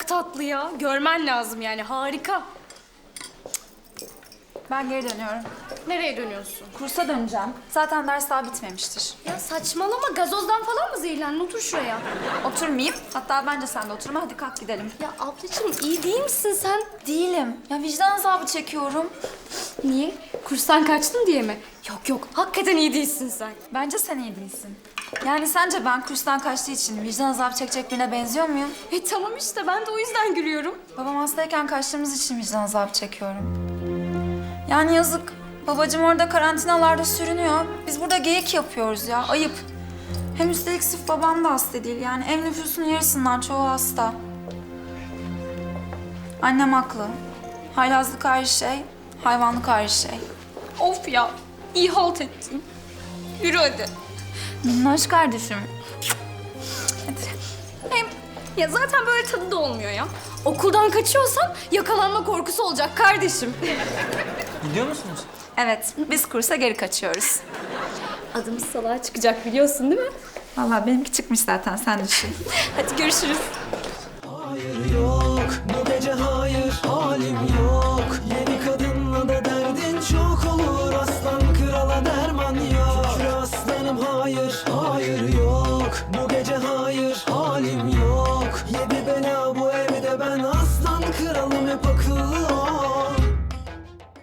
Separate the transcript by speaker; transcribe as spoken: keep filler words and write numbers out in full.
Speaker 1: tatlı ya. Görmen lazım yani, harika.
Speaker 2: Ben geri dönüyorum.
Speaker 1: Nereye dönüyorsun?
Speaker 2: Kursa döneceğim. Zaten ders daha bitmemiştir.
Speaker 1: Ya saçmalama, gazozdan falan mı zehirlendin? Otur şuraya.
Speaker 2: Oturmayayım. Hatta bence sen de oturma. Hadi kalk gidelim.
Speaker 1: Ya ablacığım, iyi değil misin sen?
Speaker 2: Değilim. Ya vicdan azabı çekiyorum.
Speaker 1: Niye? Kurstan kaçtın diye mi? Yok yok, hakikaten iyi değilsin sen.
Speaker 2: Bence sen iyi değilsin. Yani sence ben kurstan kaçtığı için vicdan azabı çekecek birine benziyor muyum?
Speaker 1: E tamam işte, ben de o yüzden gülüyorum.
Speaker 2: Babam hastayken kaçtığımız için vicdan azabı çekiyorum. Yani yazık. Babacığım orada karantinalarda sürünüyor. Biz burada geyik yapıyoruz ya. Ayıp. Hem üstelik sırf babam da hasta değil. Yani ev nüfusunun yarısından çoğu hasta. Annem haklı. Haylazlık ayrı şey, hayvanlık ayrı şey.
Speaker 1: Of ya, iyi halt ettin. Yürü hadi.
Speaker 2: Minnoş kardeşim. Hadi.
Speaker 1: Hem ya zaten böyle tadı da olmuyor ya. Okuldan kaçıyorsan yakalanma korkusu olacak kardeşim.
Speaker 3: Gidiyor musunuz?
Speaker 2: Evet, biz kursa geri kaçıyoruz.
Speaker 1: Adımız salağa çıkacak, biliyorsun değil mi?
Speaker 2: Vallahi benimki çıkmış zaten, sen düşün.
Speaker 1: Hadi görüşürüz.
Speaker 4: Hayır yok bu gece hayır